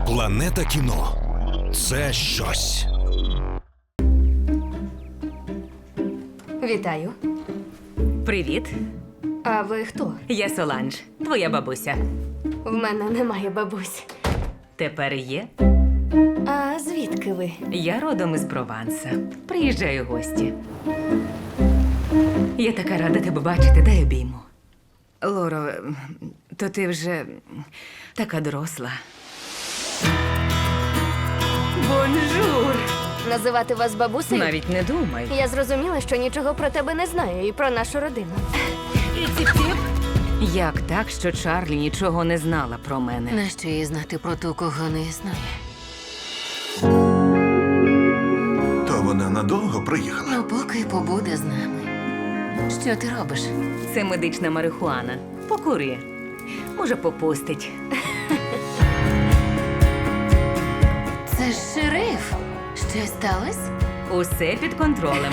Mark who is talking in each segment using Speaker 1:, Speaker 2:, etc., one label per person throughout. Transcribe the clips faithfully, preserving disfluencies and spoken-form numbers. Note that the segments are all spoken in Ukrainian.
Speaker 1: Планета кіно – це щось.
Speaker 2: Вітаю.
Speaker 3: Привіт,
Speaker 2: А ви хто?
Speaker 3: я Соланж, твоя бабуся.
Speaker 2: В мене немає бабусь.
Speaker 3: Тепер є.
Speaker 2: А звідки ви?
Speaker 3: Я родом із Прованса. Приїжджаю в гості. Я така рада тебе бачити, дай обійму. Лоро, то ти вже така доросла. Бонжур!
Speaker 2: Називати вас бабусею?
Speaker 3: Навіть не думай.
Speaker 2: Я зрозуміла, що нічого про тебе не знаю і про нашу родину.
Speaker 3: Як так, що Чарлі нічого не знала про мене?
Speaker 4: Нащо їй знати про ту, кого не існує?
Speaker 5: То вона надовго приїхала?
Speaker 4: Ну, поки побуде з нами. Що ти робиш?
Speaker 3: Це медична марихуана. Покури. Може, попустить.
Speaker 4: Це ж шериф. Щось сталося?
Speaker 3: Усе під контролем.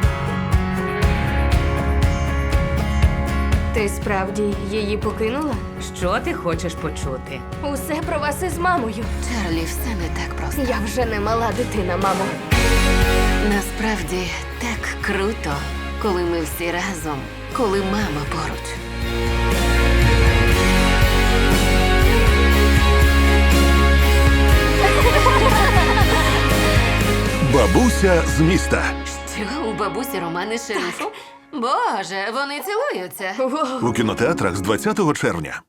Speaker 2: Ти справді її покинула?
Speaker 3: Що ти хочеш почути?
Speaker 2: Усе про вас із мамою.
Speaker 4: Чарлі, все не так просто.
Speaker 2: Я вже не мала дитина, мамо.
Speaker 4: Насправді так круто, коли ми всі разом, коли мама поруч.
Speaker 5: Бабуся з міста.
Speaker 4: Що, у бабусі романи з шерифом? Боже, вони цілуються.
Speaker 2: Воу.
Speaker 5: У кінотеатрах з двадцятого червня.